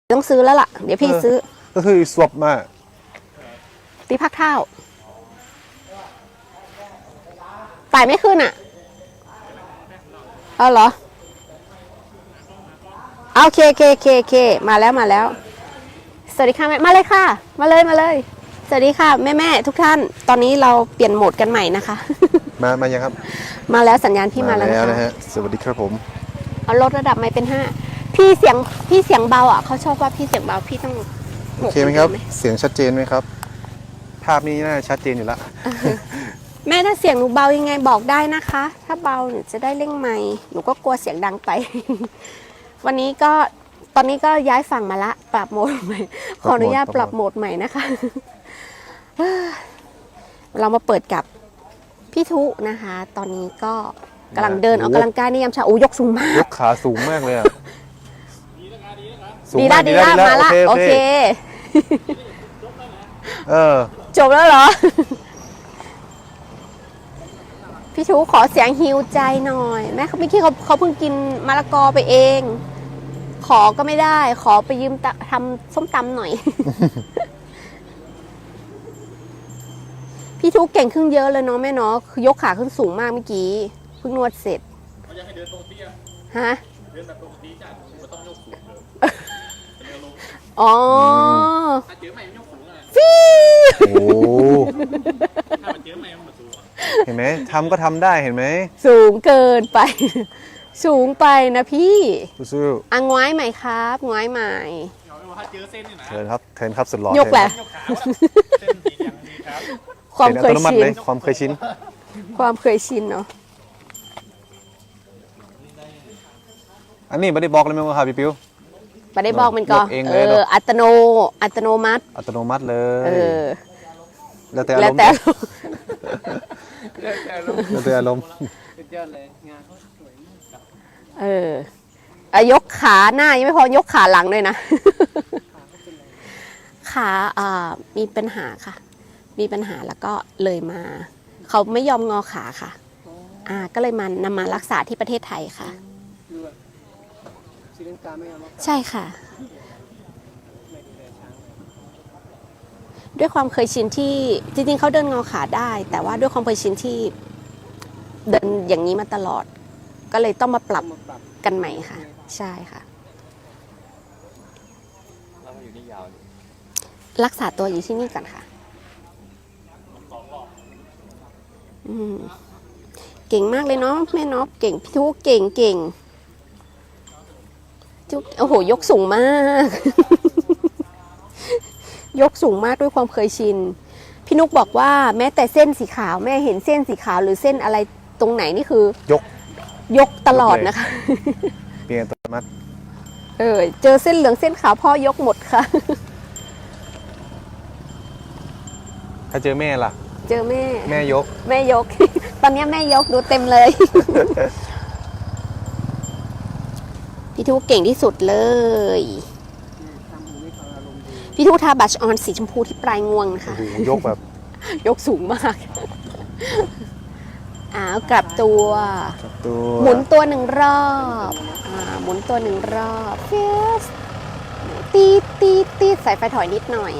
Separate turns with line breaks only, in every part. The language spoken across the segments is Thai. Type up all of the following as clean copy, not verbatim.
ต้องซื้อแล้วล่ะเดี๋ยวพี่ซื้อ
ก็คือสวบมา
ตีพักเท้าไต่ไม่ขึ้นอ่ะเอาเหรอโอเคมาแล้วสวัสดีค่ะแม่มาเลยค่ะมาเลยสวัสดีค่ะแม่ทุกท่านตอนนี้เราเปลี่ยนโหมดกันใหม่นะคะ
มายังครับ
มาแล้วสัญญาณพี่มาแล้ว
นะฮะสวัสดีครับผม
เอาลดระดับไม่เป็น5พี่เสียงเบาอ่ะเขาชอบว่าพี่เสียงเบาพี่ต้อง
โอเคไหมครับเสียงชัดเจนไหมครับภาพนี้น่าชัดเจนอยู่แล้ว
แม่ถ้าเสียงหนูเบายังไงบอกได้นะคะถ้าเบาหนูจะได้เร่งไมค์หนูก็กลัวเสียงดังไปวันนี้ก็ตอนนี้ก็ย้ายฝั่งมาละปรับโหมดใหม่ขออนุญาตปรับโหมดใหม่นะคะเรามาเปิดกับพี่ทุนะคะตอนนี้ก็กำลังเดินออกกำลังกายในยามเช้าโอ้ยกสูงมาก
ยกขาสูงมากเลยอ่ะ
ดีละมาละโอเคจบแล้วเหรอพี่ชูขอเสียงฮิวใจหน่อยแม่เขาเมื่อกี้เขาเพิ่งกินมะละกอไปเองขอก็ไม่ได้ขอไปยืมทำส้มตำหน่อยพี่ทุกเก่งขึ้นเยอะเลยเนาะแม่เนาะยกขาขึ้นสูงมากเมื่อกี้เพิ่งนวดเสร็จเขาอยากให้เดินปกติฮะเดินแบบปกติจ้ะไม่ต้องยกสูงเลยอ๋อถ้าเจอใหม่ยกสูงอ่ะฟีโอ้ถ้ามันเจอใหม่มันสูง
เห็นไหมทำก็ทำได้เห็นไหม
สูงเกินไปสูงไปนะพี่
สู้
อ่ะง้อยใหม่ครับง้อยใหม่
ถ้าเจอเส้นนี่นะเทินครับสุดหล่อย
กแหละความเคยชิน
ความเคย
ชินเนาะ
อันนี้ไม่ได้บอกเลยมั้งครับพี่ปิ๊ว
ไม่ได้บอกมันก็อัตโนมัติ
เลยแล้วแต่อารมณ์
ยกขาหน้ายังไม่พอยกขาหลังด้วยนะขามีปัญหาค่ะมีปัญหาแล้วก็เลยมาเขาไม่ยอมงอขาค่ะก็เลยนำมารักษาที่ประเทศไทยค่ะใช่ค่ะด้วยความเคยชินที่จริงๆเขาเดินงอขาได้แต่ว่าด้วยความเคยชินที่เดินอย่างนี้มาตลอดก็เลยต้องมาปรับกันใหม่ค่ะใช่ค่ะรักษาตัวอยู่ที่นี่ก่อนค่ะเก่งมากเลยเนาะแม่น็อปเก่งพี่ทุกเก่งทุกโอ้โหยกสูงมากยกสูงมากด้วยความเคยชินพี่นุกบอกว่าแม้แต่เส้นสีขาวแม่เห็นเส้นสีขาวหรือเส้นอะไรตรงไหนนี่คือยกตลอดนะคะ
เปลี่ยนตัวมัด
เจอเส้นเหลืองเส้นขาวพ่อยกหมดค่ะ
ถ้าเจอแม่ล่ะ
เจอแม่
ยก
ตอนนี้แม่ยกดูเต็มเลย พี่ทุกเก่งที่สุดเลยพี่ทุกทาบัชออนสีชมพูที่ปลายงวงนะคะ
ยกแบบ
ยกสูงมากกลับตัวหมุนตัว1 รอบหมุนตัว1 รอบเฟสตีใส่ไฟถอยนิดหน่อย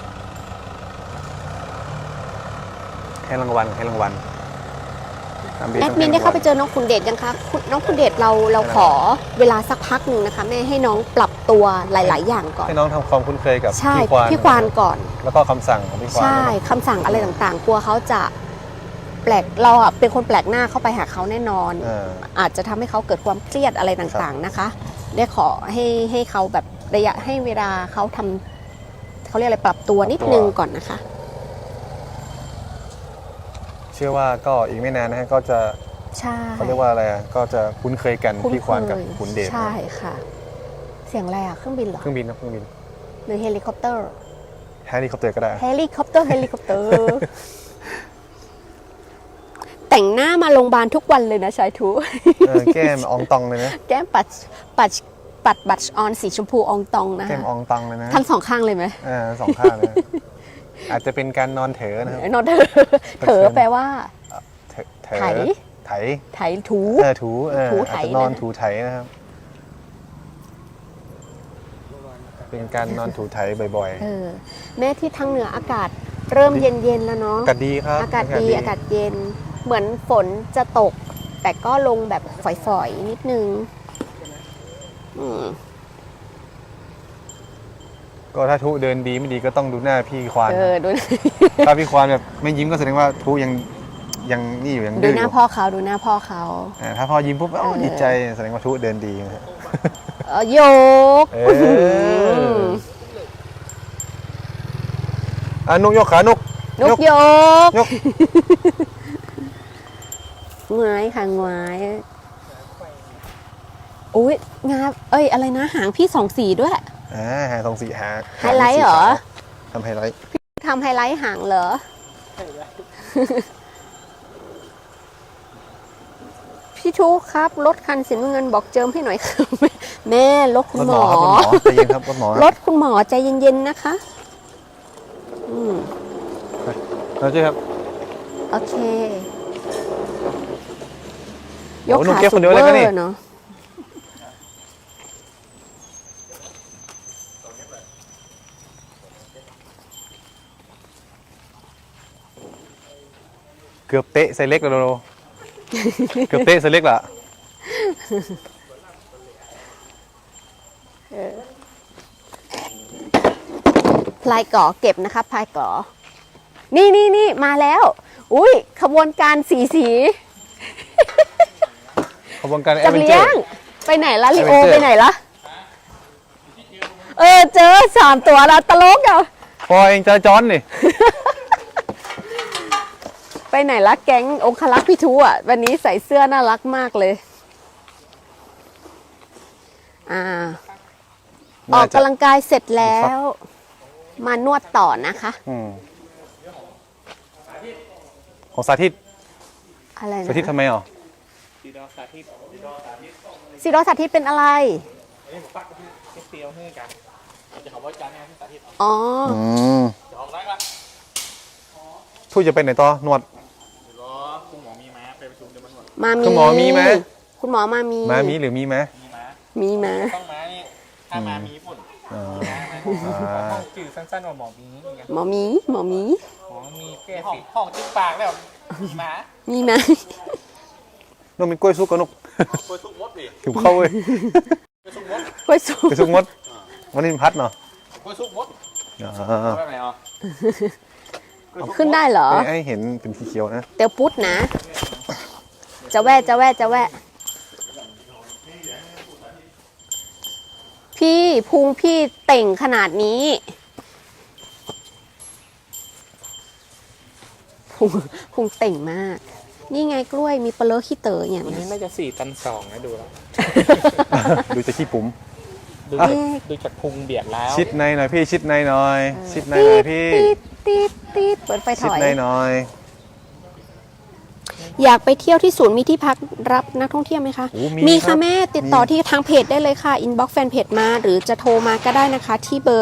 ให้รางวัลแอ
ดมินได้เข้าไปเจอน้องคุณเดชยังคะน้องคุณเดชเราขอเวลาสักพักหนึ่งนะคะแม่ให้น้องปรับตัวหลายๆอย่างก่อน
ให้น้องทำความคุ้นเคยกับ
พี่ควานก่อน
แล้วก็คำสั่งของพี่ควาน
ใช่คำสั่งอะไรต่างๆกลัวเขาจะแปลกเราเป็นคนแปลกหน้าเข้าไปหาเขาแน่นอนอาจจะทำให้เขาเกิดความเครียดอะไรต่างๆนะคะได้ขอให้เขาแบบระยะให้เวลาเขาทำเขาเรียกอะไรปรับตัวนิดนึงก่อนนะคะ
เชื่อว่าก็อีกไม่นานนะฮะก็จะเขาเรียกว่าอะไรก็จะคุ้นเคยกันพี่ควานกับคุณเดช
ใช่ค่ะเสียงอะไรเครื่องบินเหรอ
เครื่องบิน
หรือเฮลิคอปเตอร์
ก็ได้
เฮลิคอปเตอร์แต่งหน้ามาโรงพยาบาลทุกวันเลยนะชายทู
แก้มอองตองเลยนะ
แก้มปัดบัตรออนสีชมพูอองตองนะ
แก้มอองตองเลยนะ
ทั้ง2 ข้างเลยไหม
2 ข้างเลยอาจจะเป็นการนอนเถอนะครับ
นอนเถอแปลว่าไถถู
อาจจะนอนถูไถนะครับเป็นการนอนถูไถบ่อย
แม้ที่ทางเหนืออากาศเริ่มเย็นๆแล้วเนาะ
ๆอากาศดีครับ
อากาศดีอากาศเย็นเหมือนฝนจะตก แต่ก็ลงแบบฝอยๆนิดนึง
ก็ถ้าทุเดินดีไม่ดีก็ต้องดูหน้าพี่ควาน
ดู
ถ้าพี่ควานแบบไม่ยิ้มก็แสดงว่าทุยังนี่อยู่ยัง
ดู
ดื้อ
ห
อ
น้า
ยู่
พ่อเขาดูหน้าพ่อเขา
ถ้าพอยิ้มปุ๊บดีใจแสดงว่าทุเดินดีนะฮะ
โยก
นุกยกขานุก
นกโยก
ยก
งายค่ะงายอุ้ยงาอะไรนะหางพี่สองสีด้วย
หาสองสี่หา
ไฮไลท์เหรอ
ทำไฮไลท์
ทำไฮไลท์หางเหรอ พี่ชูครับรถคันสีน้ำเงินบอกเจิมให้หน่อยครับแม่รถคุณหมอ
ใจเย็นครับรถหมอ
รถคุณหมอใจเย็นๆนะคะ
เราเจ๊ครับ
โอเค ยก
หนู
ขา
เก็บ
สุ
คน
ด
เดียว
เว
เลย
อ
นะนี่
ร์เนาะ
เกือบเตะใส่เล็กแล้วเกือบเตะใส่เล็กละ
พลายก่อเก็บนะคะพลายก่อนี่มาแล้ว อุ้ยขบวนการสี
ขบวนการแอ
จั
ด
บ
เวนเจ
เลี้
อย
ง
ร์
ไปไหนละลิโอ
Adventure
ไปไหนละเจอ3 ตัวแล้วตลกอ่ะ
พอเองจะจอนนี่
ไปไหนละแก๊งองคลักษ์พี่ทูอ่ะวันนี้ใส่เสื้อน่ารักมากเลยออกกำลังกายเสร็จแล้ว มานวดต่อนะคะ
ของสาธิต
อะไรนะ
สาธิตทำไมอ่ะ
ซีโรสาธิตเป็นอะไรอ๋อ
ทูจะไปไหนต่อนวด
คุณหมอมีม้าไปประชุมเดี๋ยวมันหมด
คุณหมอมีไหม
คุณหมอมามี
ม้ามีหรือมีไหม
มีม้า
มีมา
ต้องม้านี่ถ้าม้ามีปุ่น
จื่อสั้นๆว่าหมอมีไง
หมอมี
หมอมีแก้
ห้อง
สิ
ห้องจิ้มปากแล้วมีม้า
มีมา
นกมีกล้วยซุกกับนก
คุยทุกมดดิ
หิวเข้าเว้ย
คุยทุกมด
กล้วยสุก
กล้วยซุกมดวันนี้มันพัดเนาะ
คุยทุกมด
อ่า
ว่าไงอ่ะ
ขึ้นได้เหรอ
ให้เห็นเป็นสีเขียวนะ
เตียวปุ๊ดนะ จะแวะ พี่พุงพี่เต่งขนาดนี้พุงเต่งมาก นี่ไงกล้วยมีปลาเลอะขี้เต๋ออย่าง
วัน
นี้
นี้น่าจะ4 ตัน 2นะดูแล้ว
ดูจะขี้ปุ๋ม
ดูจากพุงเบียดแล้ว
ชิดในหน่อยพี่ชิดในหน่อย ชิดในหน่อยพี่
ตีดเปิดไฟถ
ชิด
อย
ในหน่อย
อยากไปเที่ยวที่ศูนย์มีที่พักรับนักท่องเที่ยวไหมคะ
โอ้มี
มี
ครั
ค่ะ
บ
แม่ติดต่อที่ทางเพจได้เลยค่ะ อินบ็อกซ์แฟนเพจมา หรือจะโทรมาก็ได้นะคะ ที่เบอร์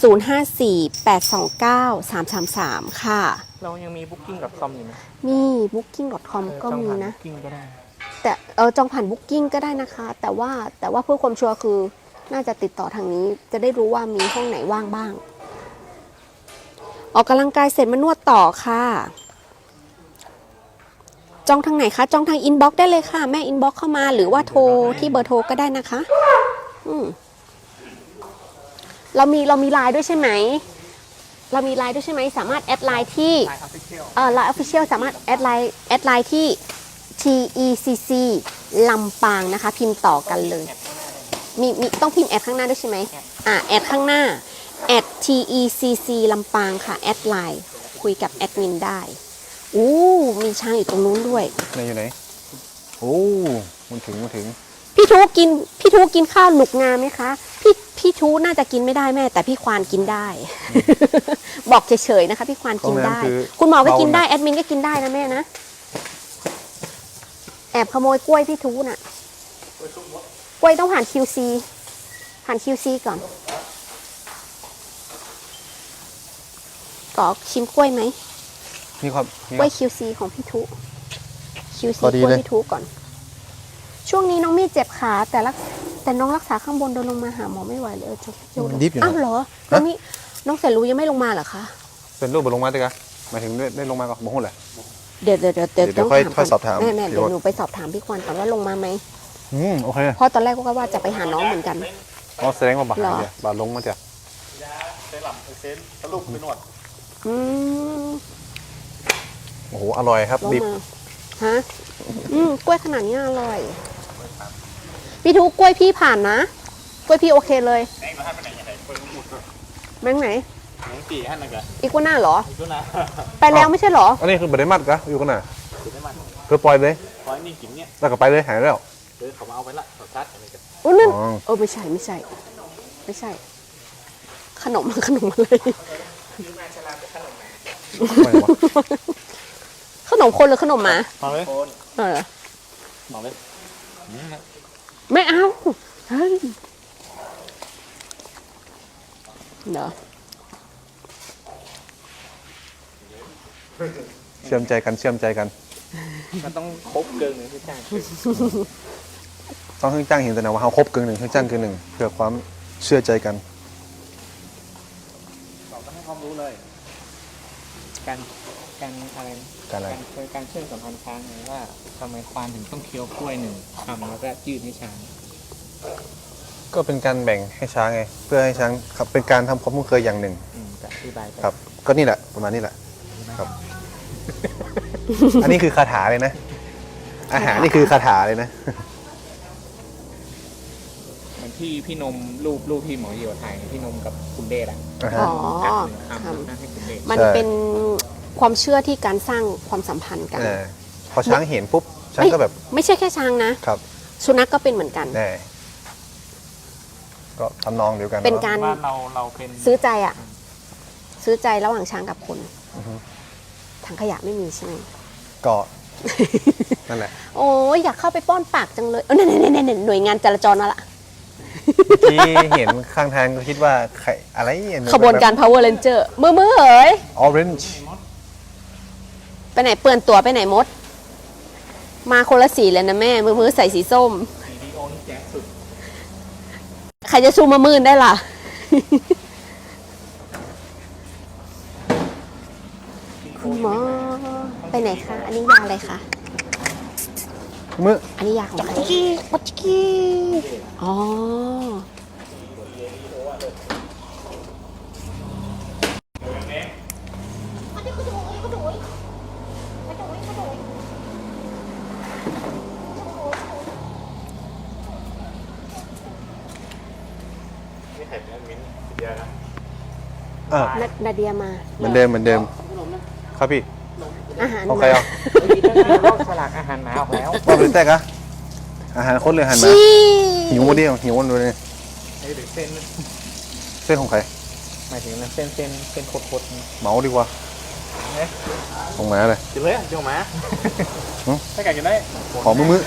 0548293333 ค่ะ
เรายังมี booking.com อยู่ไหม
มี booking.com ก็มีนะ
บ Booking ก็ได้
แต่จองผ่าน Booking ก็ได้นะคะ แต่ว่าเพื่อความชัวร์คือน่าจะติดต่อทางนี้จะได้รู้ว่ามีห้องไหนว่างบ้าง ออกกำลังกายเสร็จมานวดต่อค่ะ จองทางไหนคะ จองทางอินบ็อกซ์ได้เลยค่ะ แม่อินบ็อกซ์เข้ามาหรือว่าโทรที่เบอร์โทรก็ได้นะคะเรามีไลน์ด้วยใช่ไหม สามารถแอดไลน์ที่
Line Official
ไลน์ Official สามารถแอดไลน์ที่ TECC ลำปางนะคะ พิมพ์ต่อกันเลย มีต้องพิมพ์แอดข้างหน้าด้วยใช่ไหมแอดข้างหน้า@TECC ลำปางค่ะแอดไลน์คุยกับแอดมินได้มีช้างอยู่ตรงนู้นด้วย
ไหนอยู่ไหน โอ้มันถึง
พี่ทูกินข้าวหนุกงาไหมคะ พี่ทูน่าจะกินไม่ได้แม่ แต่พี่ควานกินได้ บอกเฉยๆนะคะ พี่ควานกินได้ คุณหมอก็กินได้แอดมินก็กินได้นะแม่นะ แอบขโมยกล้วยพี่ทูน่ะกล้วยต้องผ่าน QC ก่อนก็ชิมกล้วยไหม
มีความ
กล้วย QC ของพี่ทุ QC
พอดี
กล้วย
เลย
พี่ทุก่อน ช่วงนี้น้องมี่เจ็บขาแต่แต่น้องรักษาข้างบนเดินลงมาหาหมอไม่ไหวเลยจะเที่ยว
ดิฟอยู่
อ้าว
นะ
เหรอแล้วนี่น้องแสนรู้ยังไม่ลงมาเหรอคะ
เป็นรูปบนลงมาด้วยกันหมายถึงได้ลงมาก็บอกหุ่นแหละ
เดี๋ยว
เดี๋ยว
ต้อง
ค่อยสอบถาม
แน่ๆ
พี่
เดี๋ยว
รถ
หนูไปสอบถามพี่ควานก่อนว่าลงมาไหม
โอเค
เพราะตอนแรกก็ว่าจะไปหาน้องเหมือนกัน
อ๋อแสดงว่าบาด
เหรอ
เดียวบาดลงมาเดียว
เซรั่มเซนสรุปไปนวด
อืม
โอ้โหอร่อยครับ
ลง
ดิบ
มาฮะกล้วยขนาดนี้อร่อยพี่ทุกกล้วยพี่ผ่านนะกล้วยพี่โอเคเลย
แม่งมาให้ไปไหนยังไงเปิดมุด
แมงไหน
แม่งตีให้นั่นกัน
อีกัวน่าเหรอ
ดูนะ
ไปแล้วไม่ใช่เหรอ
อันนี้คือบัตรมัดกะอยู่กันน่ะ
ดูได้มัน
คือปล่อยเลย
พอนี่กินเนี่ย
แล้วก็ไปเลยหายแล้ว
เดี๋ยวเขามาเอาไปละต่อชัดอะไรกัน
อุ้ยนั่น
อ๋อ
ไม่ใช่ไม่ใช่ ขนมเลย
ไม่วะ
ขนมคนหรือขนมหมา
มาเลย
เออ
มาเลย
ไม่เอาเฮ้ยเดี๋ยว
เชื่อมใจกันเชื่อมใจกัน
มันต้องครบเกินหนึ่งที่จ้าง
ต้องให้จ้างเห็นแต่นะว่าเขาครบกึ่งหนึ่งให้จ้างกึ่งหนึ่งเพื่อความเชื่อใจกัน
เราต้องให้ความรู้เลย การอะไรนะ
การอะไร
การเชื่อมสัมพันธ์ช้างไงว่าทำไมควานถึงต้องเคี้ยวกล้วยหนึ่งคำแล้วก็ยืดให้ช้าง
ก็เป็นการแบ่งให้ช้างไงเพื่อให้ช้างครับเป็นการทำความคุ้นเคยอย่างหนึ่ง
จะอธิบายไป
ครับ ก็นี่แหละประมาณนี้แหละครับ อันนี้คือคาถาเลยนะ อาหารนี่คือคาถาเลยนะ
เหมือนที่พี่นมรูปที่หมอเหี่ยวถ่ายพี่นมกับคุณเดชอะ
อ่าฮะ
อ๋อ
กัดหนึ่งคำ
ท
แล้วให้คุณเดช
ำมันเป็นความเชื่อที่การสร้างความสัมพันธ์กัน
พอช้างเห็นปุ๊บช้างก็แบบ
ไม่ใช่แค่ช้างนะ
ครับ
สุนัขก็เป็นเหมือนกัน
แน่ก็ทำนองเดียวกัน
เป็นการ
ว่าเราเป็น
ซื้อใจอ่ะ ซื้อใจระหว่างช้างกับคน
อือฮึ
ถังขยะไม่มีใช่ไหม
ก็นั่นแหละ
โอ้ยอยากเข้าไปป้อนปากจังเลยนั่นหน่วยงานจราจรนั่นแหละ
ที่เห็นข้างทางก็คิดว่าใครอะไรเนี่ย
ขบวนการ Power Ranger มือเอ๋ย
ออเรนจ์
ไปไหนเปื่อนตัวไปไหนมด มาคนละสีเลยนะแม่ มือใส่สีส้ม
วิดีโอนี่แจ๊สสุด
ใครจะซูมมามืนได้ล่ะ คุณหมอไปไหนคะ อันนี้ยาอะไรคะ
มือ
อันนี้ยาของใครปัจกี้อ๋อ
นี่ไข่เป็นมิ้นเดียวนะ
อ่า
นาเดียมา
เหมือนเดิมครับพี่
อาหาร
ของใครอ่ะ
ลอกฉลากอาหารหมาออกแล้ว
ว่าเป็นแตกอะอาหารคนหรืออาหารหมา
ชี้
หิวมาดิหิววันเลย
หรือเส้น
เส้นของใคร
หมายถึงเส้นโคตรๆนี่
เหมาดีกว่าของหมาเลย
กินเลยเจ้าหมา
หึ
ถ้าไก่กินได้
ขอมือ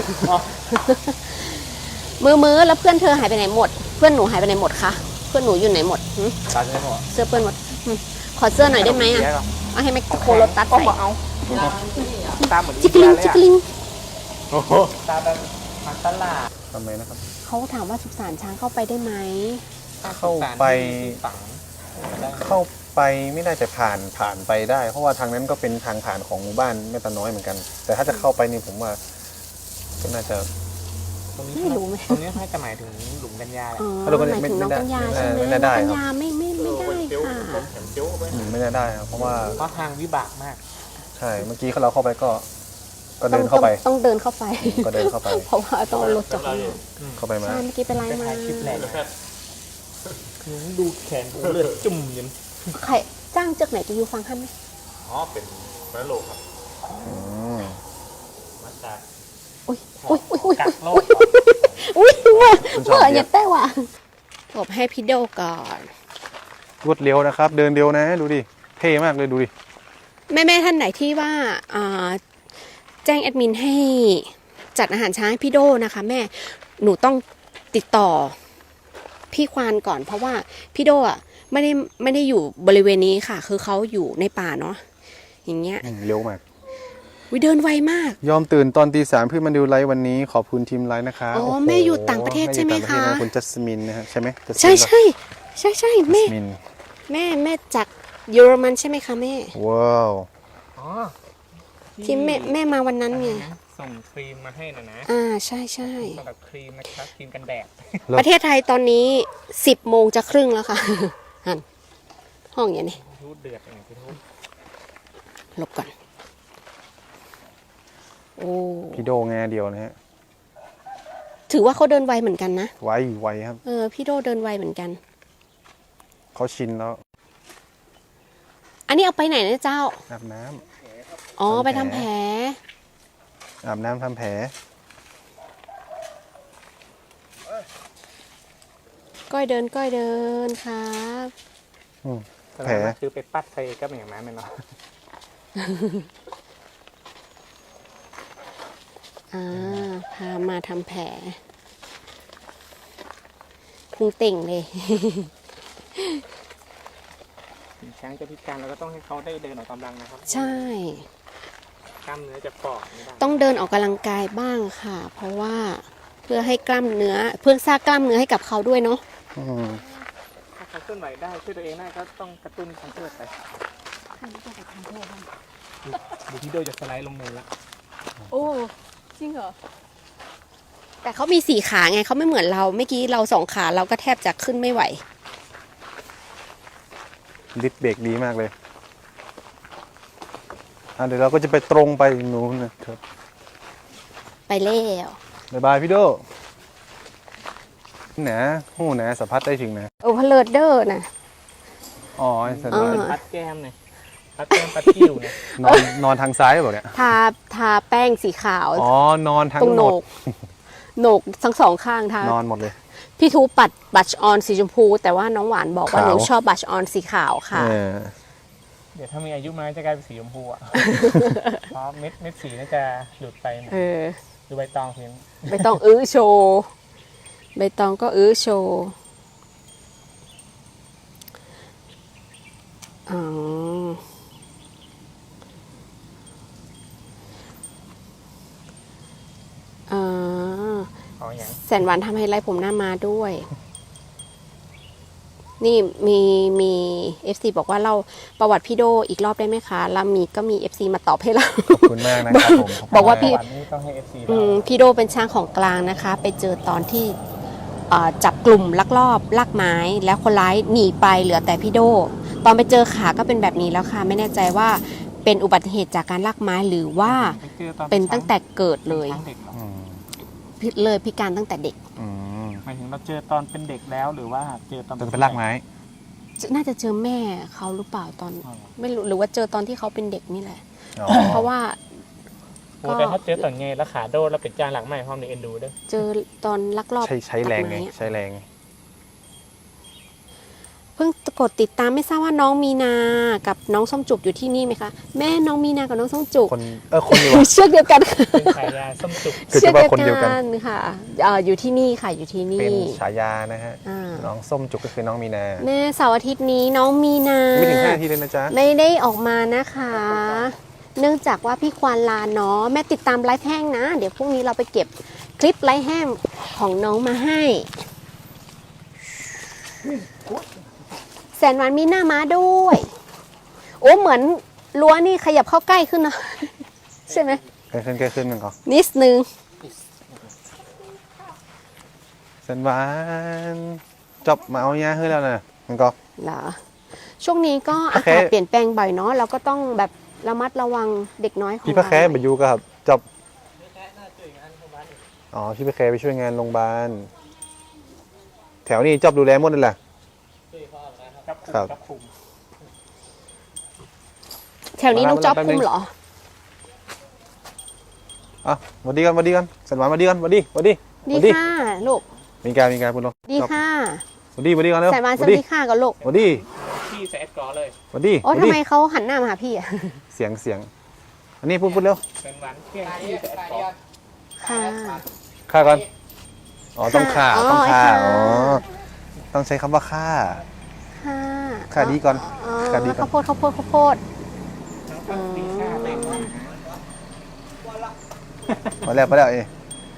มือแล้วเพื่อนเธอหายไปไหนหมด เพื่อนหนูหายไปไหนหมดคะเพื่อนหนูอยู่ไหนหมดหึ
ตาจะได้หมด
เสื้อเพื่อนหมดขอเสื้อหน่อยได้ไหมอ่ะเอาให้แมคโครรถตัด
ก็
ใส่
มาเอาตาเหมือน
จิกลิงจิกลิง
โอ้โห
ตาแบบมันตลาด
ทำไมนะครับ
เขาถามว่าสุสานช้างเข้าไปได้ไหม
เข้าไป
ฝัง
เข้าไปไม่ได้แต่ผ่านไปได้ เพราะว่าทางนั้นก็เป็นทางผ่านของหมู่บ้านแม่ตาน้อยเหมือนกัน แต่ถ้าจะเข้าไปนี่ผมว่าก็น่าจะ
ตรงนี้
ไม่รู้ไหม
ตรงนี้น่าจะหมายถึงหลุมกัญญาแหละ
อ๋อ
เราก็
หมายถึงน้องกัญญาใช่ไหม
ไม่
น้อง
ได้
กัญ
ครับ
ญาไม่ได้ค่ะ
แขนเจียวไป
ไม่น่าได้ครับเพราะว่า
เพราะทางวิบากมาก
ใช่เมื่อกี้เราเข้าไปก็เดินเข้าไป
ต้องเดินเข้าไป
ก็เดินเข้าไป
เพราะว่าต้องเอารถจากข้างนอก
เข้าไปมา
ใช่เมื่อกี้ไปไล่
ไป
มา
ถ่ายคลิปแหละดูแขนกูเลือดจุ่มยัน
ใครจ้างจากไหนจะอยู่ฟังท่านไหม
อ๋อเป็นแม่โลครับ
อืม
มาจาก
อุ้ยอุ้ยอุ้ยอุ้ย
กักโล
อุ้
ก
ยอุ้ยเมื่ออย่าแต่ว่ะตบให้พี่โดก่อน
รวดเร็วนะครับ เดินเร็วนะดูดิเท่มากเลยดูดิ
แม่ท่านไหนที่ว่าแจ้งแอดมินให้จัดอาหารช้างให้พี่โดนะคะแม่หนูต้องติดต่อพี่ควานก่อน เพราะว่าพี่โดอ่ะไม่ได้อยู่บริเวณนี้ค่ะ คือเขาอยู่ในป่าเนาะอย่างเงี้ย
เร็วมาก
วิเดินไวมาก
ยอมตื่นตอนตี 3เพื่อมาดูไลฟ์วันนี้ขอบคุณทีมไลฟ์นะคะ
อ๋อ
โโห
แม่อยู่ต่างประเทศใช่ไหมคะ
แอยู่ต่างปรเทศนคุณจัสมินนะฮะใช่ไหม
ใช่ใช่ใช่ใช่แม่
จัสมิน
แม่จากเยอรมันใช่ไหมคะแม่
ว้าว
อ๋อ
ที่แม่มาวันนั้นไง
ส่งครีมมาให้นะนะ
ใช่ใช่
สำหรับครีมนะครับครีมกันแดด
ประเทศไทยตอนนี้10 โมงจะครึ่งแล้วค่ะ หันห้องอย่างนี้
ทูดเดือดอย่างที่ทูด
หลบก่อนโอ้
พี่โดงานเดียวนะฮะ
ถือว่าเขาเดินไวเหมือนกันนะ
ไวครับ
พี่โดเดินไวเหมือนกัน
เขาชินแล้ว
อันนี้เอาไปไหนนะเจ้า
อาบน้ำ
อ๋อ
ทำแผล
ไปทำแผล
อาบน้ำทำแผล
ก้อยเดินครับ
แผล
คือไปปัดใส่ก็เป็นอย่างนั้นเนาะ
พามาทำแผลพุงเต่งเลย
ถึงช้างจะพิการเราก็ต้องให้เขาได้เดินออกกำลังนะครับ
ใช่
กล้ามเนื้อจะฝ่อไม่ได้
ต้องเดินออกกำลังกายบ้างค่ะ เพราะว่าเพื่อให้กล้ามเนื้อ เพื่อสร้างกล้ามเนื้อให้กับเขาด้วยเนาะ
อืม
ถ้าเขาเคลื่อนไหวได้ช่วยตัวเองได้ก็ต้องกระตุ้นทางเลือดไปดูที่โดจะสไลด์ลงเนินละ
โอ้จริงเหรอ แต่เขามี4 ขาไงเขาไม่เหมือนเราเมื่อกี้เรา2 ขาเราก็แทบจะขึ้นไม่ไหว
ดิสเบรกดีมากเลยเดี๋ยวเราก็จะไปตรงไปนู้นนะครับ
ไปแล้ว
บ๊ายบายพี่โดนะหูนะสัมผัสได้ถึงนะ
โอ้พเลิดเดอร์นะ
อ๋อไอ้สัน
ปัดแก้มเนี่ยปัดแก้มปัดคิ้วเนี่ย
นอนทางซ้ายเปล่าเนี่ย
ทาแป้งสีขาว
อ๋อนอนทั้ง
ตรง
ห
โห
ม
น
ด
กโหนกทั้ง2 ข้างทาน
อนหมดเลย
พี่ทูปัดบัชออนสีชมพู แต่ว่าน้องหวานบอกว่า
ขาว
หนูชอบบัชออนสีขาวค่ะ
เดี๋ยวถ้ามีอายุมาจะกลายเป็นสีชมพูอ่ะ เพราะเม็ดสีน่าจะหลุดไปหมดดูใบตองเพียง
ใบตองอื้อโชว์ใบตองก็อื้อโชว์อ๋อ
เอาอย่าง
แสนหวานทำให้ไล่ผมหน้ามาด้วย นี่มี FC บอกว่าเราประวัติพี่โดอีกรอบได้ไหมคะแล้วก็มี FC มาตอบให้เรา
ขอบคุณมากนะครับผม
บอกว่าพี่
วันนี้ต้องให้ FC
พี่โดเป็นช้างของกลางนะคะ ไปเจอตอนที่จับกลุ่มลักลอบลากไม้ แล้วคนร้ายหนีไปเหลือแต่พี่โดตอนไปเจอขาก็เป็นแบบนี้แล้วค่ะ ไม่แน่ใจว่าเป็นอุบัติเหตุจากการลากไม้หรือว่าเป็นตั้งแต่เกิดเลย พิการตั้งแต่เด็ก
หมายถึงเราเจอตอนเป็นเด็กแล้วหรือว่าเจอตอน
ต้องเป็นรากไม้
น่าจะเจอแม่เขาหรือเปล่าตอนไม่รู้หรือว่าเจอตอนที่เขาเป็นเด็กนี่แหละ
อ๋อ
เพราะว่า
โอ้แต่ถ้าเจอตอนไงแล้วขาโดนแล้วเป็นจานหลังใหม่พร้อมในเอ็นดูด้วย
เจอตอนลักลอบ
ใช้แรงไง
ตัดม้
ใช้แรง
เพิ่งกดติดตามไม่ทราบว่าน้องมีนากับน้องส้มจุกอยู่ที่นี่ไหมคะแม่น้องมีนากับน้องส้มจุก
คนเดียว
เชือกเดียวกัน
เป็นฉายาส้มจุก
คือ
เชือก
จะว่า
เดียว
คนเดียวกั
กัน นค่ะอยู่ที่นี่ค่ะอยู่ที่
เป็น
นี่
ฉายานะฮะ
อ่า
น้องส้มจุกก็คือน้องมีนา
แม่เสาร์อาทิตย์นี้น้องมีนา
ไม่ถึง5 นาทีเลยนะจ๊ะ
ไม่ได้ออกมานะคะ เนื่องจากว่าพี่ควานลาเนาะแม่ติดตามไลฟ์แห้งนะ เดี๋ยวพรุ่งนี้เราไปเก็บคลิปไลฟ์แห้งของน้องมาให้แสนหวานมีหน้าม้าด้วยโอ้เหมือนรั้วนี่ขยับเข้าใกล้ขึ้นนะ ใช่ไหม
ใกล้ขึ้นมันก็
นิดนึง
สันหวานจบมาเอาเนี้ยให้แล้วนะมันก็
เหรอช่วงนี้ก็อากาศเปลี่ยนแปลงบ่อยเนาะเราก็ต้องแบบระมัดระวังเด็กน้อยของ
พี่พระแค่
เรา
มาอยู่กับจบอ๋อพี่พระแค่ไปช่วยงานโรงพยาบาลแถวนี้จบดูแลหมดเลยแหละ ครับ
แถวนี้น้องจ๊อบคุมเหรอ
อ่ะสวัสดีกันสันหวานสวัสดีกันสวัสดี
ดีค่ะลูก
มีการพูดลง
ดีค่ะ
สวัสดีกันเร็ว
แสนหวานสวัสดีค่ะกับลูก
สวัสดี
พี่ใส่แอดกอร์เลย
สวัสดี
โอ้ทำไมเขาหันหน้ามาหาพี่อะ
เสียงอันนี้พูดเร็ว
เป็นหวานเที่ยงพี่ใส่แอดกอร์
ค่ะ
ฆ่าก่อนอ๋อต้องฆ่า
อ๋อ
ต้องฆ่า
ค่ะ
อ๋อต้องใช้คำว่าฆ่า
ค่ะ
ฆ่าดีก่อน
อ๋อ
ฆ่าดีก่อน
ข้าวโพด
น้องก็ตีค่าเต็ม
พอแล้วเอ้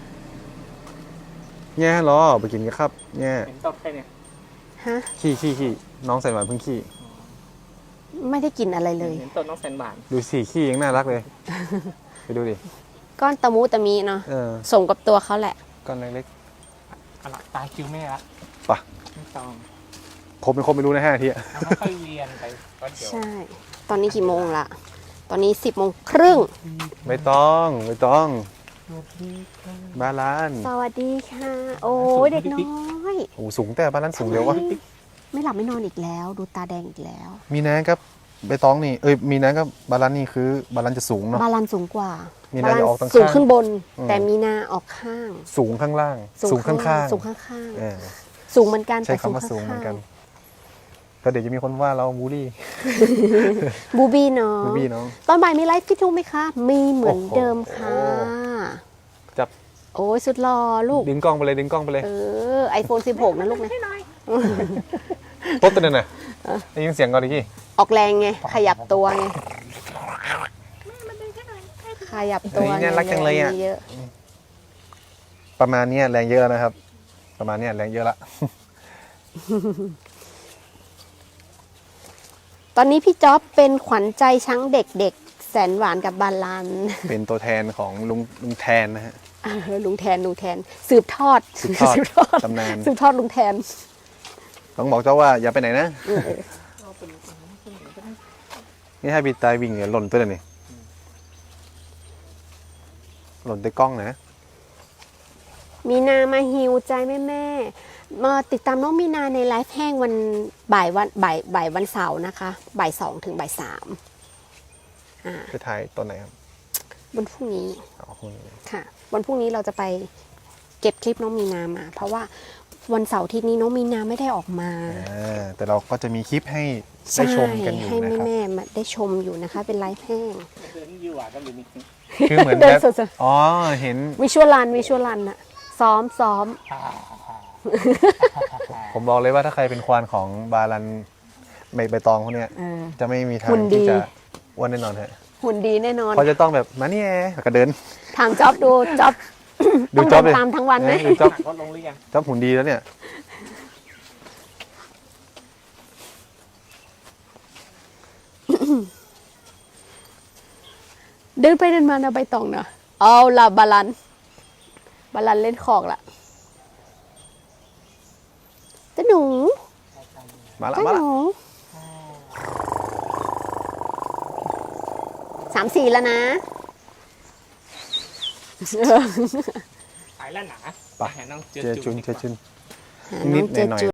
แง่เหรอไปกินกันครับแง่
เห็นตบใครเนี่ย
ฮะ
ขี้น้องใส่หวานเพิ่งขี้
ไม่ได้กินอะไรเลย
เห็นตบน้องแสนบาน
ดูสิขี้ยังน่ารักเลย ไปดูดิ
ก้อนตะมูตะมีเนาะ
เออ
สมกับตัวเขาแหละ
ก้อนเล็ก
เอาละตาคิวแม่ละ
ๆปะ
ไม่ต้อง
ผมเป็นคนไม่รู้นะ5 นาทีอะ
เอาค่อยๆเรียนไปก็เดี๋ยว
ใช่ ตอนนี้กี่โมงละตอนนี้10:30
ไม่ต้องบาลาน
สวัสดีค่ะ โอ้ยเด็กน้อย
โอ้สูงแต่บาลานสูงเดียววะ
ไม่หลับไม่นอนอีกแล้ว ดูตาแดงอีกแล้ว
มีน้ากับใบตองนี่มีน้ากับบาลานนี่คือบาลานจะสูงเนาะ
บาลานสูงกว่า
มีนาจะออกทางข้าง
สูงขึ้นบน
อืม
แต่มีนาออกข้าง
สูงข้างล่างสูงข้าง
สูงข้าง
เออ
ๆสูงเหมือนกัน
ใช้คำว่าสูงเหมือนกันก็เดี๋ยวจะมีคนว่าเราบูลลี่
บูบี้เนาะ
บูบี้น้อง
ตอนบ่ายมีไลฟ์ฟิตทูไหมคะ มีเหมือนเดิมค่ะ
จับ
โอ้ยสุดหล่อลูก
ดึงกล้องไปเลย
iPhone 16 นะลูกนะ
ปุ๊บตัวนั้นน่ะได้ยินเสียงก่อนดิกี้
ออกแรงไง ขยับตัวไง ขยับตัว
นี่น่ารักจังเลยอ่ะ
แรงเยอะ
ประมาณเนี้ยแรงเยอะแล้วนะครับ ประมาณเนี้ยแรงเยอะละ
ตอนนี้พี่จ๊อบเป็นขวัญใจช้างเด็กๆ แสนหวานกับบาลาน
เป็นตัวแทนของลุงแทนนะฮะ
ลุงแทนสืบทอด
สืบทอดตำนาน
สืบทอดลุงแทน
ต้องบอกเจ้าว่าอย่าไปไหนนะ นี่ให้บีตายวิ่งเนี่ยหล่นตัวเลยนี่หล่นด้วยกล้องนะ
มีนามาฮิวใจแม่ๆมาติดตามน้องมีนาในไลฟ์แห้งวันบ่ายวันเสาร์นะคะบ่าย2 ถึงบ่าย 3
ไปถ่ายตอนไหนครับ
วันพรุ่งนี้
อ๋อพรุ่งนี้
ค่ะวันพรุ่งนี้เราจะไปเก็บคลิปน้องมีนามา เพราะว่าวันเสาร์อาที่นี้น้องมีนาไม่ได้ออกมา
แต่เราก็จะมีคลิปให้ได้ชมกันอยู่
ให้
นะครับ
แม่ๆมาได้ชมอยู่นะคะ เป็นไลฟ์แห้ง
เดินอยู่หวานกันหรือมี
คือเหมือน
เดิ
แบ
น
บ
สด
อ๋อเห็น
วิชวลรันอะซ้อม
ผมบอกเลยว่าถ้าใครเป็นควานของบาลันใบตองพวกเนี้ย
เออ
จะไม่มีทา
หุ่
ง
นดี
ที่จะอ้วนแน่นอนฮะ
หุ่นดีแน่นอน
เขาจะต้องแบบมาเนี่ยแล้วก็เดิน
ถามจ๊อบดูจ๊อบ
ดู
ต้อง
จ๊
เดิ
อบ
น
เลย
ตามทั้งวันไหม
ดูจ๊อบ
ลดลงหรือยัง
จ๊อบหุ่นดีแล้วเนี่ย
เดินไปเดินมานะใบตองนะเอาละบาลันเล่นของละเจ้าหนู
มาละ
เจ้า
มา
ห
ละ
นู3-4แล้วนะ
ขายแล้วหนา
ไป
หาน้องเจ
เจอ
อ
จุ
จุ
น
น
เจอจุน
หาน้องเจ
นิดหน่อย
จู